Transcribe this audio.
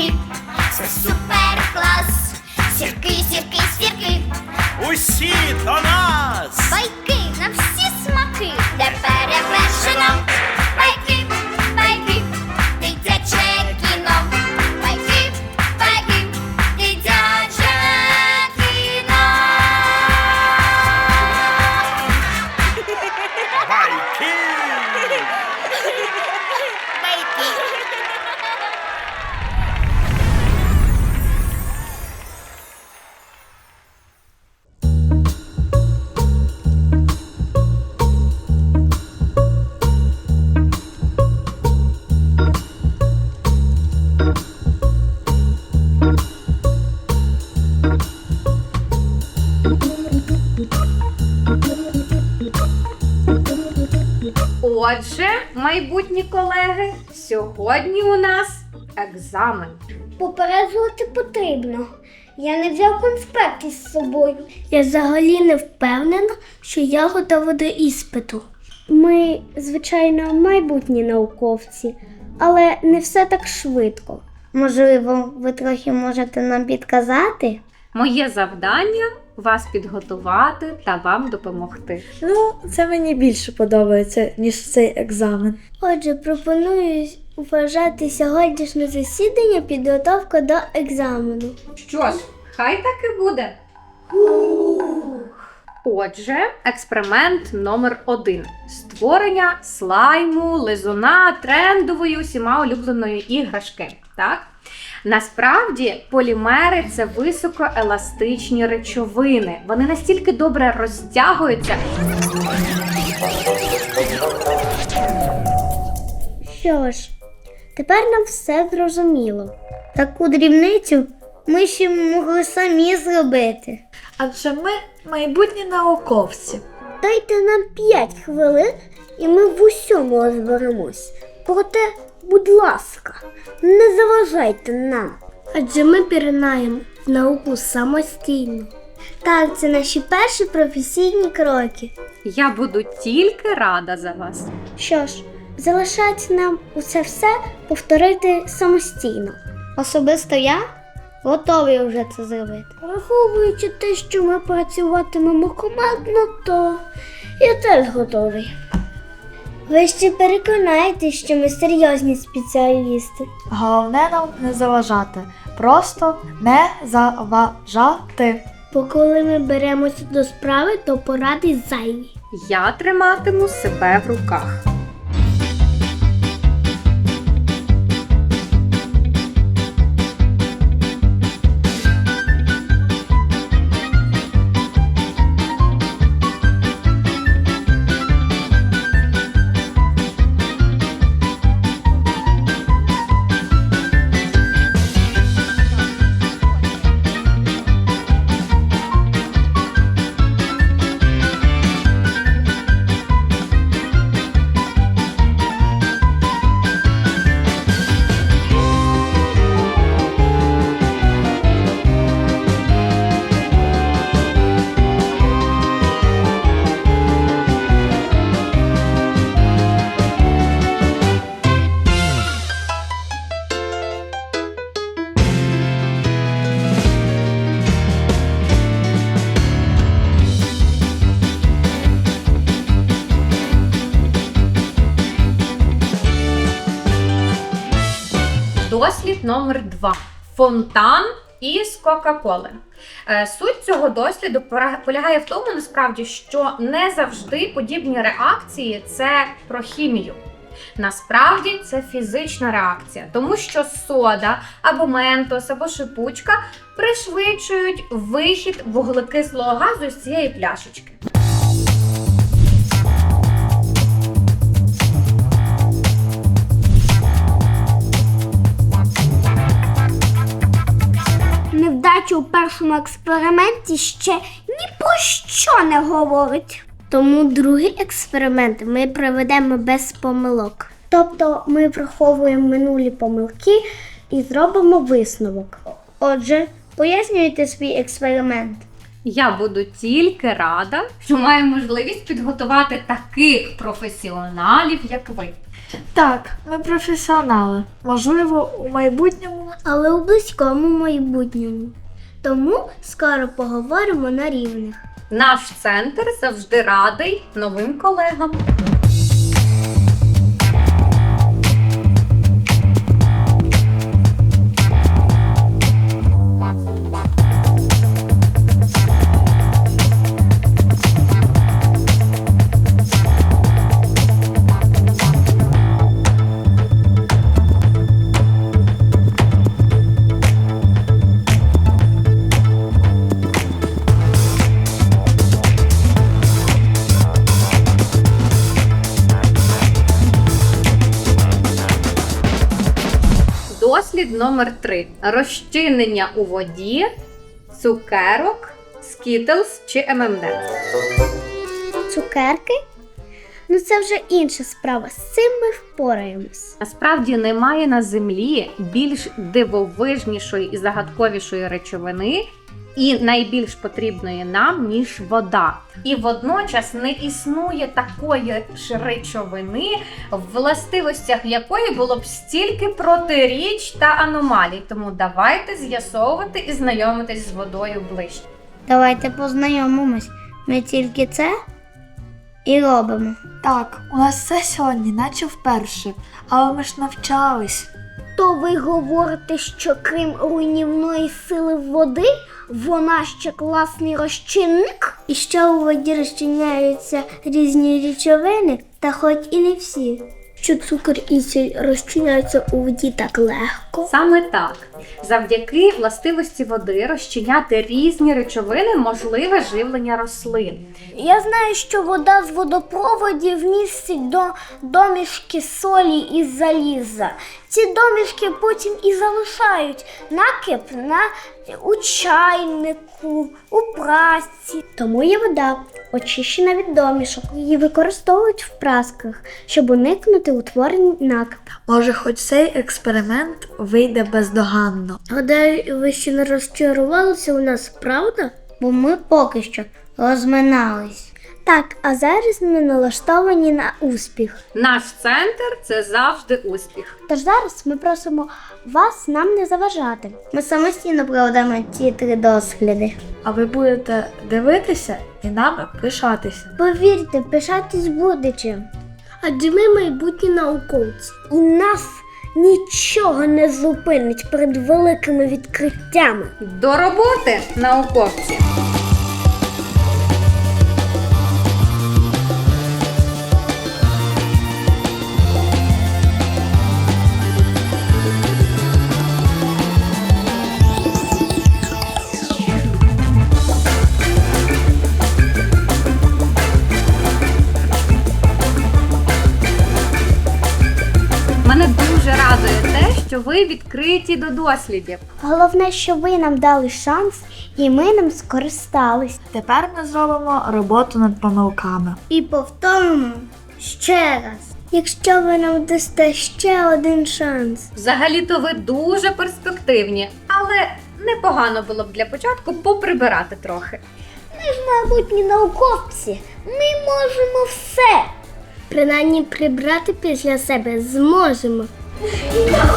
сірки, це супер клас. Сірки, сірки, сірки, Усі до нас! байки на всі смаки, де перевершено. Байки, байки, дитяче кіно. Байки, байки, дитяче кіно. Байки! Отже, майбутні колеги, сьогодні у нас екзамен. Попереджувати потрібно. Я не взяв конспект із собою. Я взагалі не впевнена, що я готова до іспиту. Ми, звичайно, майбутні науковці, але не все так швидко. Можливо, ви трохи можете нам підказати? Моє завдання – вас підготувати та вам допомогти. Ну, це мені більше подобається, ніж цей екзамен. Отже, пропоную вважати сьогоднішнє засідання підготовка до екзамену. Що ж, хай так і буде. Отже, експеримент номер 1. Створення слайму, лизуна, трендової усіма улюбленої іграшки. Так? Насправді, полімери – це високоеластичні речовини. Вони настільки добре розтягуються. Що ж, тепер нам все зрозуміло. Таку дрібницю ми ще могли самі зробити. Адже ми майбутні науковці. Дайте нам 5 хвилин, і ми в усьому розберемось. Проте, будь ласка, не заважайте нам. Адже ми піринаємо в науку самостійно. Так, це наші перші професійні кроки. Я буду тільки рада за вас. Що ж, залишається нам усе повторити самостійно. Особисто я готовий вже це зробити. Враховуючи те, що ми працюватимемо командно, то я теж готовий. Ви ще переконаєтесь, що ми серйозні спеціалісти. Головне нам не заважати. Просто не заважати. Бо коли ми беремося до справи, то поради зайві. Я триматиму себе в руках. Дослід номер 2. Фонтан із Кока-Коли. Суть цього досліду полягає в тому, насправді, що не завжди подібні реакції – це про хімію. Насправді це фізична реакція, тому що сода, або ментос, або шипучка пришвидшують вихід вуглекислого газу з цієї пляшечки. Невдача у першому експерименті ще ні про що не говорить. Тому другий експеримент ми проведемо без помилок. Тобто ми враховуємо минулі помилки і зробимо висновок. Отже, пояснюйте свій експеримент. Я буду тільки рада, що маю можливість підготувати таких професіоналів, як ви. Так, ми професіонали. Можливо, у майбутньому. Але у близькому майбутньому. Тому скоро поговоримо на рівних. Наш центр завжди радий новим колегам. Дослід номер 3. Розчинення у воді, цукерок, Skittles чи M&M's. Цукерки? Ну це вже інша справа. З цим ми впораємось. Насправді немає на землі більш дивовижнішої і загадковішої речовини і найбільш потрібної нам, ніж вода. І водночас не існує такої ж речовини, в властивостях якої було б стільки протиріч та аномалій. Тому давайте з'ясовувати і знайомитись з водою ближче. Давайте познайомимось. Ми тільки це і робимо. Так, у нас все сьогодні, наче вперше. Але ми ж навчались. То ви говорите, що крім руйнівної сили води, вона ще класний розчинник? І що у воді розчиняються різні речовини, та хоч і не всі. Що цукор і сіль розчиняються у воді так легко? Саме так. Завдяки властивості води розчиняти різні речовини можливе живлення рослин. Я знаю, що вода з водопроводів містить домішки солі і заліза. Ці домішки потім і залишають накип у чайнику, у прасці. Тому є вода, очищена від домішок. Її використовують в прасках, щоб уникнути утворення накипу. Може, хоч цей експеримент вийде бездоганно. Гадаю, ви ще не розчарувалися у нас, правда? Бо ми поки що розминались. Так, а зараз ми налаштовані на успіх. Наш центр – це завжди успіх. Тож зараз ми просимо вас нам не заважати. Ми самостійно проведемо ці 3 досліди. А ви будете дивитися і нами пишатися. Повірте, пишатись буде чим. Адже ми майбутні науковці. І нас нічого не зупинить перед великими відкриттями. До роботи, науковці! Мене дуже радує те, що ви відкриті до дослідів. Головне, що ви нам дали шанс, і ми ним скористались. Тепер ми зробимо роботу над помилками. І повторимо ще раз. Якщо ви нам дасте ще один шанс. Взагалі-то ви дуже перспективні, але непогано було б для початку поприбирати трохи. Ми ж майбутні науковці. Ми можемо все. Принаймні прибрати після себе зможемо.